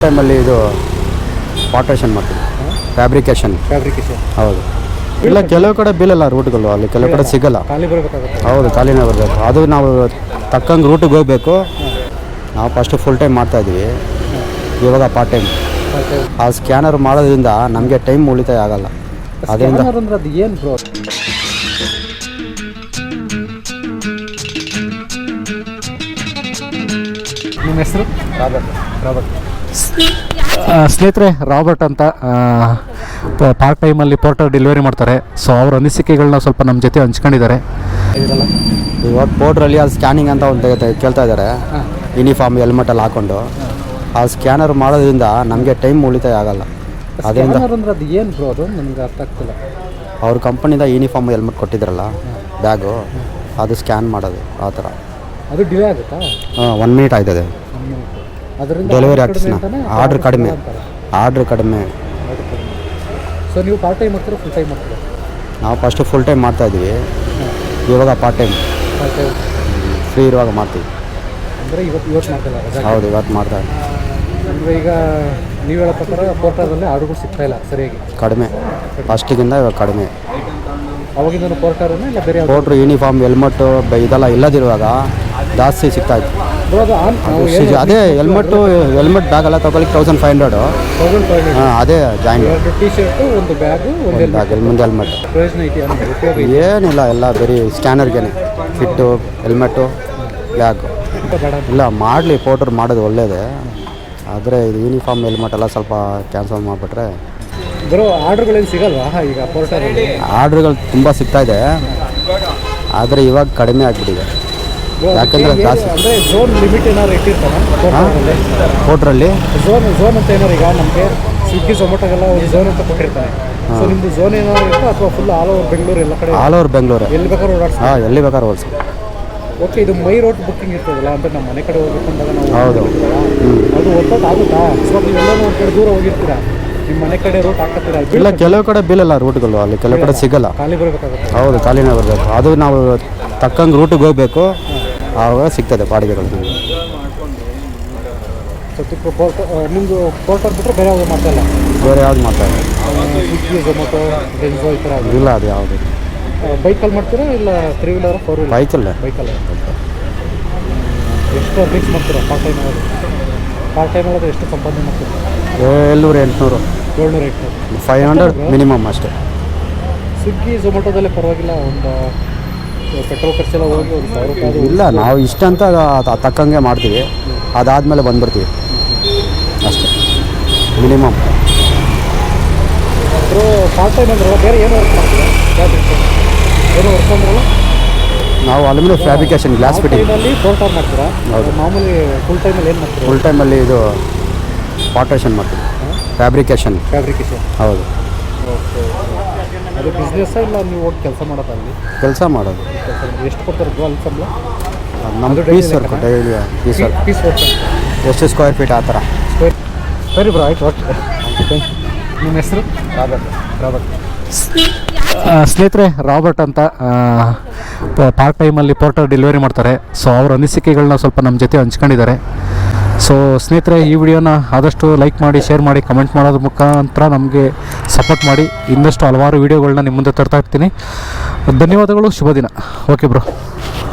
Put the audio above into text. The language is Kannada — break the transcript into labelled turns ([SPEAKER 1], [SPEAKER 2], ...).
[SPEAKER 1] ಟೈಮಲ್ಲಿ ಇದು ಪಾರ್ಟೇಷನ್ ಮಾಡ್ತೀವಿ, ಫ್ಯಾಬ್ರಿಕೇಷನ್ ಹೌದು. ಇಲ್ಲ, ಕೆಲವು ಕಡೆ ಬೀಳಲ್ಲ ರೂಟ್ಗಳು, ಅಲ್ಲಿ ಕೆಲವು ಕಡೆ ಸಿಗಲ್ಲ. ಹೌದು, ಖಾಲಿನೇ ಬರಬೇಕು. ಅದು ನಾವು ತಕ್ಕಂಗೆ ರೂಟಿಗೆ ಹೋಗಬೇಕು. ನಾವು ಫಸ್ಟು ಫುಲ್ ಟೈಮ್ ಮಾಡ್ತಾಯಿದ್ವಿ, ಇವಾಗ ಪಾರ್ಟ್ ಟೈಮ್. ಆ ಸ್ಕ್ಯಾನರ್ ಮಾಡೋದ್ರಿಂದ ನಮಗೆ ಟೈಮ್ ಉಳಿತಾಯ ಆಗಲ್ಲ. ಅದರಿಂದ
[SPEAKER 2] ಏನು ಬ್ರೋ? ನಿಮ್ಮ ಹೆಸರು? ರಾಬರ್ಟ್. ಸ್ನೇಹಿತರೆ, ರಾಬರ್ಟ್ ಅಂತ ಪಾರ್ಟ್ ಟೈಮಲ್ಲಿ ಪೋರ್ಟರ್ ಡೆಲಿವರಿ ಮಾಡ್ತಾರೆ. ಸೊ ಅವ್ರ ಅನಿಸಿಕೆಗಳನ್ನ ಸ್ವಲ್ಪ ನಮ್ಮ ಜೊತೆ ಹಂಚ್ಕೊಂಡಿದ್ದಾರೆ.
[SPEAKER 1] ಇವಾಗ ಪೋರ್ಟ್ರಲ್ಲಿ ಅದು ಸ್ಕ್ಯಾನಿಂಗ್ ಅಂತ ಒಂದು ಕೇಳ್ತಾ ಇದ್ದಾರೆ, ಯೂನಿಫಾರ್ಮ್ ಹೆಲ್ಮೆಟಲ್ಲಿ ಹಾಕ್ಕೊಂಡು. ಆ ಸ್ಕ್ಯಾನರ್ ಮಾಡೋದ್ರಿಂದ ನಮಗೆ ಟೈಮ್ ಉಳಿತಾಯ ಆಗಲ್ಲ. ಅದರಿಂದ
[SPEAKER 2] ಅದು ಏನು ಬ್ರೋ? ಅದು ನನಗೆ ಅರ್ಥ ಆಗ್ತಿಲ್ಲ.
[SPEAKER 1] ಅವ್ರ ಕಂಪನಿಯಿಂದ ಯೂನಿಫಾರ್ಮ್ ಹೆಲ್ಮೆಟ್ ಕೊಟ್ಟಿದ್ರಲ್ಲ, ಬ್ಯಾಗು, ಅದು ಸ್ಕ್ಯಾನ್ ಮಾಡೋದು ಆ ಥರ.
[SPEAKER 2] ಅದು ಡಿಲೇ ಆಗುತ್ತಾ?
[SPEAKER 1] 1 ಮಿನಿಟ್ ಆಯ್ತದೆ ಡೆಲಿವರಿ ಆಗ್ತದೆ. ಆರ್ಡ್ರ್ ಕಡಿಮೆ.
[SPEAKER 2] ಸೊ ನೀವು ಪಾರ್ಟ್ ಟೈಮ್ ಮಾಡ್ತೀರಾ, ಫುಲ್ ಟೈಮ್ ಮಾಡ್ತೀರಾ?
[SPEAKER 1] ನಾವು ಫಸ್ಟು ಫುಲ್ ಟೈಮ್ ಮಾಡ್ತಾಯಿದ್ವಿ, ಇವಾಗ ಪಾರ್ಟ್ ಟೈಮ್ ಫ್ರೀ ಇರುವಾಗ ಮಾಡ್ತೀವಿ.
[SPEAKER 2] ಅಂದರೆ ಇವತ್ತು ಮಾಡ್ತಿಲ್ಲ?
[SPEAKER 1] ಹೌದು, ಇವತ್ತು ಮಾಡ್ತಾಯಿದ್ವಿ.
[SPEAKER 2] ಅಂದರೆ ಈಗ ನೀವು ಹೇಳೋ ಪ್ರಕಾರ ಪೋರ್ಟರಲ್ಲಿ ಆರ್ಡ್ರುಗಳು ಸಿಗ್ತಾ ಇಲ್ಲ ಸರಿಯಾಗಿ?
[SPEAKER 1] ಕಡಿಮೆ, ಫಸ್ಟಿಗಿಂತ ಇವಾಗ ಕಡಿಮೆ.
[SPEAKER 2] ಅವಾಗಿಂದ ಪೋರ್ಟರನ್ನು ಇಲ್ಲ ಬೇರೆ
[SPEAKER 1] ಪೋರ್ಟ್ರು ಯೂನಿಫಾರ್ಮ್ ಹೆಲ್ಮೆಟ್ಟು ಇದೆಲ್ಲ ಇಲ್ಲದಿರುವಾಗ ಜಾಸ್ತಿ ಸಿಗ್ತಾಯಿತ್ತು. ಅದೇ ಹೆಲ್ಮೆಟ್ ಬ್ಯಾಗ್ ಎಲ್ಲ ತೊಗೊಳಿಕ್ಕೆ 1500. ಅದೇ ಜಾಯಿನ್.
[SPEAKER 2] ಟಿ ಶರ್ಟು, ಒಂದು ಬ್ಯಾಗು,
[SPEAKER 1] ಮುಂದೆ ಹೆಲ್ಮೆಟ್.
[SPEAKER 2] ಪ್ರಯೋಜನ ಇದೆಯಾ?
[SPEAKER 1] ಏನಿಲ್ಲ, ಎಲ್ಲ ಬರೀ ಸ್ಕ್ಯಾನರ್ಗೆ ಫಿಟ್ಟು, ಹೆಲ್ಮೆಟ್ಟು, ಬ್ಯಾಗು. ಇಲ್ಲ, ಮಾಡಲಿ, ಪೋರ್ಟ್ರ್ ಮಾಡೋದು ಒಳ್ಳೆಯದೇ. ಆದರೆ ಇದು ಯೂನಿಫಾರ್ಮ್ ಹೆಲ್ಮೆಟ್ ಎಲ್ಲ ಸ್ವಲ್ಪ ಕ್ಯಾನ್ಸಲ್ ಮಾಡಿಬಿಟ್ರೆ.
[SPEAKER 2] ಬರೋ ಆರ್ಡ್ರುಗಳೇನು ಸಿಗಲ್ವಾ ಈಗ ಪೋರ್ಟರಲ್ಲಿ?
[SPEAKER 1] ಆರ್ಡ್ರುಗಳು ತುಂಬ ಸಿಗ್ತಾಯಿದೆ, ಆದರೆ ಇವಾಗ ಕಡಿಮೆ ಆಗಿಬಿಟ್ಟಿದೆ. ಯಾಕಂದರೆ ಜಾಸ್ತಿ
[SPEAKER 2] ಅಂದರೆ ಝೋನ್ ಲಿಮಿಟ್ ಏನಾದ್ರು ಇಟ್ಟಿರ್ತಾನೆ
[SPEAKER 1] ಪೋರ್ಟ್ರಲ್ಲಿ?
[SPEAKER 2] ಝೋನ್ ಅಂತ ಏನಾರು ಈಗ ನಮಗೆ ಸ್ವಿಗ್ಗಿ ಝೊಮ್ಯಾಟೋಗೆಲ್ಲ ಒಂದು ಝೋನ್ ಅಂತ ಕೊಟ್ಟಿರ್ತಾನೆ. ಸೊ ನಿಮ್ಮದು ಝೋನ್ ಏನಾದ್ರು ಇರುತ್ತೋ ಅಥವಾ ಫುಲ್ ಆಲ್ ಓವರ್ ಬೆಂಗಳೂರು ಎಲ್ಲ ಕಡೆ?
[SPEAKER 1] ಆಲ್ ಓವರ್ ಬೆಂಗಳೂರು,
[SPEAKER 2] ಎಲ್ಲಿ ಬೇಕಾದ್ರೂ ಓಡಾಡ್ಸಿ?
[SPEAKER 1] ಎಲ್ಲಿ ಬೇಕಾದ್ರೂ ಓಡಿಸಿ.
[SPEAKER 2] ಓಕೆ, ಇದು ಮೈ ರೋಡ್ ಬುಕ್ಕಿಂಗ್ ಇರ್ತದಲ್ಲ, ಅಂದರೆ ನಮ್ಮ ಮನೆ ಕಡೆ ಹೋಗ್ಬೇಕಂದಾಗ ನಾವು
[SPEAKER 1] ಹೌದು,
[SPEAKER 2] ಅದು ಒತ್ತೋದು ಆಗುತ್ತಾ? ಸೊ ನೀವೆಲ್ಲರೂ ಒಂದು ಕಡೆ ದೂರ ಹೋಗಿರ್ತೀರಾ, ನಿಮ್ಮ ಮನೆ ಕಡೆ ರೂಟ್ ಹಾಕತ್ತೀರಾ?
[SPEAKER 1] ಇಲ್ಲ, ಕೆಲವು ಕಡೆ ಬೀಳಲ್ಲ ರೂಟ್ಗಳು, ಅಲ್ಲಿ ಕೆಲವು ಕಡೆ ಸಿಗಲ್ಲ.
[SPEAKER 2] ಖಾಲಿ ಬರಬೇಕಾಗುತ್ತೆ.
[SPEAKER 1] ಹೌದು, ಖಾಲಿನೇ ಬರಬೇಕು. ಅದು ನಾವು ತಕ್ಕಂಗೆ ರೂಟಿಗೆ ಹೋಗಬೇಕು, ಆವಾಗ ಸಿಗ್ತದೆ ಬಾಡಿಗೆಗಳು.
[SPEAKER 2] ನಿಮ್ಮದು ಪೋರ್ಟರ್ ಬಿಟ್ಟರೆ ಬೇರೆ ಯಾವುದು ಮಾತಾಡಲ್ಲ?
[SPEAKER 1] ಬೇರೆ ಯಾವ್ದು ಮಾತಾಡಲ್ಲ.
[SPEAKER 2] ಸ್ವಿಗ್ಗಿ, ಝೊಮ್ಯಾಟೊ, ಡೆನ್ಸೋ ಈ ಥರ
[SPEAKER 1] ಇಲ್ಲ, ಅದು ಯಾವುದು?
[SPEAKER 2] ಬೈಕಲ್ಲಿ ಮಾಡ್ತೀರಾ ಇಲ್ಲ 3 ವೀಲರ್ 4 ವೀಲರ್?
[SPEAKER 1] ಬೈಕಲ್ಲೇ.
[SPEAKER 2] ಎಷ್ಟು ಅರ್ನಿಂಗ್ಸ್ ಮಾಡ್ತೀರಾ ಪಾರ್ಟ್ ಟೈಮ್ ಆಗೋದು? ಪಾರ್ಟ್ ಟೈಮ್ ಆಗೋದು ಎಷ್ಟು ಸಂಪಾದನೆ ಮಾಡ್ತೀರಾ?
[SPEAKER 1] 700-800.
[SPEAKER 2] 700-800.
[SPEAKER 1] 500 ಮಿನಿಮಮ್ ಅಷ್ಟೇ.
[SPEAKER 2] ಸ್ವಿಗ್ಗಿ ಝೊಮ್ಯಾಟೊದಲ್ಲೇ ಪರವಾಗಿಲ್ಲ, ಒಂದು ಪೆಟ್ರೋಲ್ ಖರ್ಚೆಲ್ಲ ಹೋಗಿ ಒಂದು 1000 ರೂಪಾಯಿ.
[SPEAKER 1] ಇಲ್ಲ, ನಾವು ಇಷ್ಟಂತ ತಕ್ಕಂಗೆ ಮಾಡ್ತೀವಿ, ಅದಾದಮೇಲೆ ಬಂದುಬಿಡ್ತೀವಿ ಅಷ್ಟೇ, ಮಿನಿಮಮ್.
[SPEAKER 2] ಪಾರ್ಟ್ ಟೈಮ್ ಅಂದ್ರೆ ಬೇರೆ ಏನು ವರ್ಕ್ ಮಾಡ್ತೀರಾ? ಏನು ವರ್ಕ್ ಅಂದ್ರಲ್ಲ?
[SPEAKER 1] ನಾವು aluminium fabrication, glass fitting.
[SPEAKER 2] Porter ಮಾಡ್ತೀರಾ?
[SPEAKER 1] ಹೌದು.
[SPEAKER 2] ಮಾಮೂಲಿ ಫುಲ್ ಟೈಮಲ್ಲಿ ಏನು ಮಾಡ್ತೀರಾ?
[SPEAKER 1] ಫುಲ್ ಟೈಮಲ್ಲಿ ಇದು ಪಾರ್ಟೇಷನ್ ಮಾಡ್ತೀವಿ, ಫ್ಯಾಬ್ರಿಕೇಷನ್. ಹೌದು.
[SPEAKER 2] ಓಕೆ, ಅದು ಬಿಸ್ನೆಸ್ಸಾ ಇಲ್ಲ ನೀವು ಹೋಗಿ ಕೆಲಸ ಮಾಡೋದು? ಅಲ್ಲಿ
[SPEAKER 1] ಕೆಲಸ ಮಾಡೋದು.
[SPEAKER 2] ಎಷ್ಟು ಕೊಡ್ತಾರೆ ಅಲ್ಲಿ ಸಂಬಳ?
[SPEAKER 1] ನಮ್ಮ piece work, daily piece work. ಎಷ್ಟು ಸ್ಕ್ವೇರ್ ಫೀಟ್ ಆ ಥರ.
[SPEAKER 2] ಸರಿ ಬ್ರೋ, ಆಯ್ತು. ಓಕೆ, ನಿಮ್ಮ ಹೆಸರು? ರಾಬರ್ಟ್. ಸ್ನೇಹಿತರೆ, ರಾಬರ್ಟ್ ಅಂತ ಪಾರ್ಟ್ ಟೈಮಲ್ಲಿ ಪೋರ್ಟರ್ ಡೆಲಿವರಿ ಮಾಡ್ತಾರೆ. ಸೊ ಅವ್ರ ಅನಿಸಿಕೆಗಳನ್ನ ಸ್ವಲ್ಪ ನಮ್ಮ ಜೊತೆ ಹಂಚ್ಕೊಂಡಿದ್ದಾರೆ. ಸೊ ಸ್ನೇಹಿತರೆ, ಈ ವಿಡಿಯೋನ ಆದಷ್ಟು ಲೈಕ್ ಮಾಡಿ, ಶೇರ್ ಮಾಡಿ, ಕಮೆಂಟ್ ಮಾಡೋದ್ರ ಮುಖಾಂತರ ನಮಗೆ ಸಪೋರ್ಟ್ ಮಾಡಿ. ಇನ್ನಷ್ಟು ಹಲವಾರು ವೀಡಿಯೋಗಳನ್ನ ನಿಮ್ಮ ಮುಂದೆ ತರ್ತಾ ಇರ್ತೀನಿ. ಧನ್ಯವಾದಗಳು, ಶುಭ ದಿನ. Okay bro.